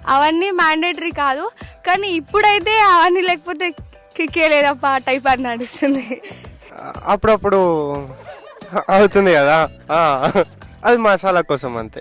అవన్నీ మ్యాండేటరీ కాదు. కానీ ఇప్పుడైతే అవన్నీ లేకపోతే కిక్కే లేదప్ప టైప్ అని నడుస్తుంది. అప్పుడప్పుడు అవుతుంది కదా, అది మసాలా కోసం అంతే.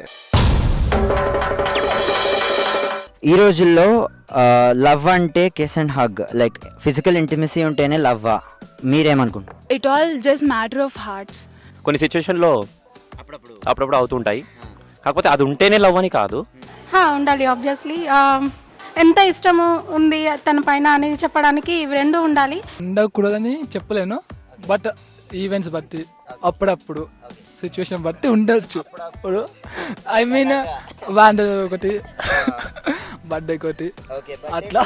ఈ రోజుల్లో లవ్ అంటే kiss and hug, like physical intimacy ఉంటేనే లవ్వా? మీరేమనుకుంటారు? It all just matter of hearts. కొన్ని సిచ్యువేషన్లో అప్పుడప్పుడు అవుతుంటాయి, కాకపోతే అది ఉంటేనే లవ్ అని కాదు. ఉండాలి ఆబ్వియస్లీ. ఎంత ఇష్టము ఉంది తన పైన అనేది చెప్పడానికి ఇవి రెండు ఉండాలి. ఉండకూడదని చెప్పలేను, బట్ ఈవెంట్స్ బట్టి అప్పుడప్పుడు సిచ్యువేషన్ బట్టి ఉండొచ్చు. ఇప్పుడు ఐ మీన్ బ్యాండ్ ఒకటి, బర్త్డే ఒకటి, అట్లా.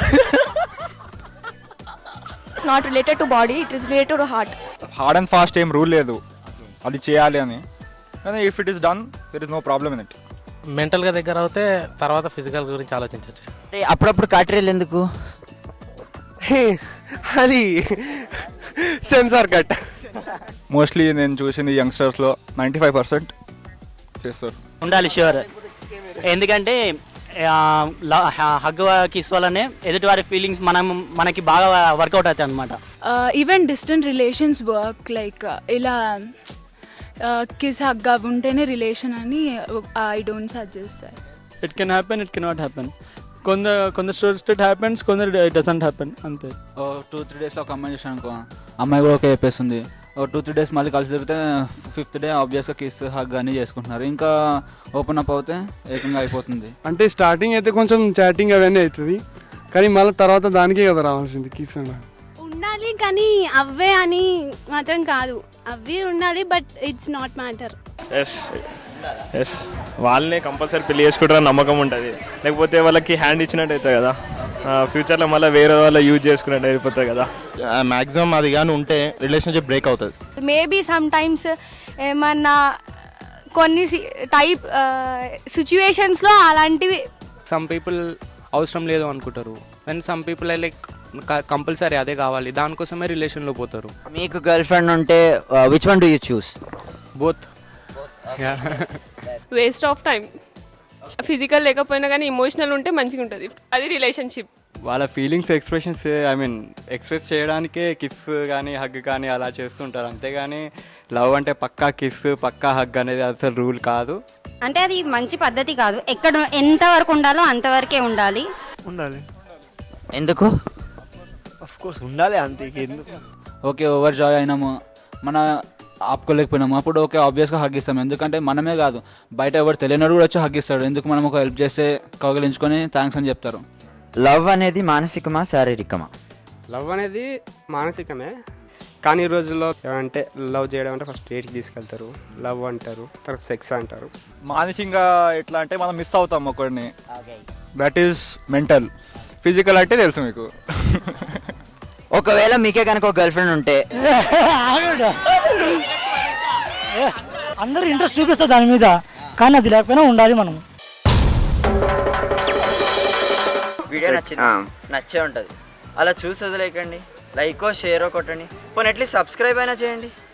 It's not related to body, it is related to heart. Hard and fast ఏం రూల్ లేదు అది చేయాలి అని, కానీ if it is done there is no problem in it. మెంటల్గా దగ్గర అవుతే తర్వాత ఫిజికల్ గురించి ఆలోచించవచ్చు. అప్పుడప్పుడు కాటరీలు ఎందుకు? అది సెన్సార్ కట్. మోస్ట్లీ నేను చూసింది యంగ్స్టర్స్లో 95% చేస్తారు. ఉండాలి ష్యూర్, ఎందుకంటే హగ్ కిస్ వల్లనే ఎదుటి వారి ఫీలింగ్స్ మనకి బాగా వర్కౌట్ అవుతాయి అనమాట. Even distant relations work, like ఇలా కిస్ హగ్ ఉంటేనే రిలేషన్ అని I don't suggest that. It can happen, it cannot happen. కొందరు స్టోరీస్ ఇట్ హ్యాపెన్స్, కొందరు ఇట్ డజంట్ హ్యాపెన్, అంతే. 2-3 days ఒక అమ్మాయి చూసాను అనుకో, అమ్మాయి కూడా ఓకే చెప్పేస్తుంది. 2-3 days మళ్ళీ కలిసి తిరిగితే 5th day ఆబ్వియస్గా కిస్ హగ్ అని చేసుకుంటున్నారు. ఇంకా ఓపెన్ అప్ అవుతే ఏకంగా అయిపోతుంది. అంటే స్టార్టింగ్ అయితే కొంచెం చాటింగ్ అవన్నీ అవుతుంది, కానీ మళ్ళీ తర్వాత దానికే కదా రావాల్సింది కిస్ అన్న. ఉండాలి కానీ అవే అని మాత్రం కాదు, అవి ఉండాలి but it's not matter. Yes వాళ్ళనే కంపల్సరీ పెళ్లి చేసుకుంటారని నమ్మకం ఉంటుంది, లేకపోతే వాళ్ళకి హ్యాండ్ ఇచ్చినట్టు అవుతుంది కదా, ఫ్యూచర్లో మళ్ళీ వేరే వాళ్ళ యూజ్ చేసుకున్నట్టు అయిపోతుంది కదా. మ్యాక్సిమం అది కానీ ఉంటే రిలేషన్షిప్ బ్రేక్ అవుతుంది. మేబీ సమ్ టైమ్స్ ఏమన్నా కొన్ని టైప్ సిచ్యువేషన్స్లో అలాంటివి సమ్ పీపుల్ అవసరం లేదు అనుకుంటారు, and some people like compulsory అదే కావాలి, దానికోసమే రిలేషన్లో పోతారు. మీకు గర్ల్ ఫ్రెండ్ ఉంటే which one do you choose? Both. Waste of time. Physical లేకపోయినా కానీ ఇమోషనల్ ఉంటే మంచిగా ఉంటుంది, అది రిలేషన్షిప్. వాళ్ళ ఫీలింగ్స్ ఎక్స్ప్రెషన్స్ ఎక్స్ప్రెస్ చేయడానికే కిస్ కానీ హగ్ కానీ అలా చేస్తుంటారు, అంతేగాని లవ్ అంటే పక్కా కిస్ పక్కా హగ్ అనేది అసలు రూల్ కాదు. అంటే అది మంచి పద్ధతి కాదు, ఎంత వరకు ఉండాలో అంతవరకే ఉండాలి. ఎందుకు? ఆఫ్ కోర్స్ ఉండాలి, అంతే. ఎందుకు? ఓకే ఓవర్ జాయ్ అయినాము, మన ఆపుకోలేకపోయినాము, అప్పుడు ఓకే ఆబ్వియస్గా హగ్ ఇస్తాం. ఎందుకంటే మనమే కాదు, బయట ఎవరు తెలియనోడు కూడా వచ్చి హగ్ ఇస్తాడు. ఎందుకు మనం ఒక హెల్ప్ చేస్తే కౌగిలించుకొని థ్యాంక్స్ అని చెప్తారు. లవ్ అనేది మానసికమా శారీరకమా? లవ్ అనేది మానసికమే, కానీ ఈ రోజుల్లో ఏమంటే లవ్ చేయడం అంటే ఫస్ట్ డేట్కి తీసుకెళ్తారు, లవ్ అంటారు, తర్వాత సెక్స్ అంటారు. మానసికంగా ఎట్లా అంటే మనం మిస్ అవుతాం ఒకరిని, దట్ ఈస్ మెంటల్. ఫిజికల్ అంటే తెలుసు మీకు. ఒకవేళ మీకే కనుక ఒక గర్ల్ ఫ్రెండ్ ఉంటే అందరూ ఇంట్రెస్ట్ చూపిస్తారు దాని మీద, కానీ అది లేకపోయినా ఉండాలి మనం. వీడియో నచ్చే ఉంటుంది, అలా చూసి వదిలేకండి, లైకో షేరో కొట్టండి, పోనీ అట్లీస్ట్ సబ్స్క్రైబ్ అయినా చేయండి.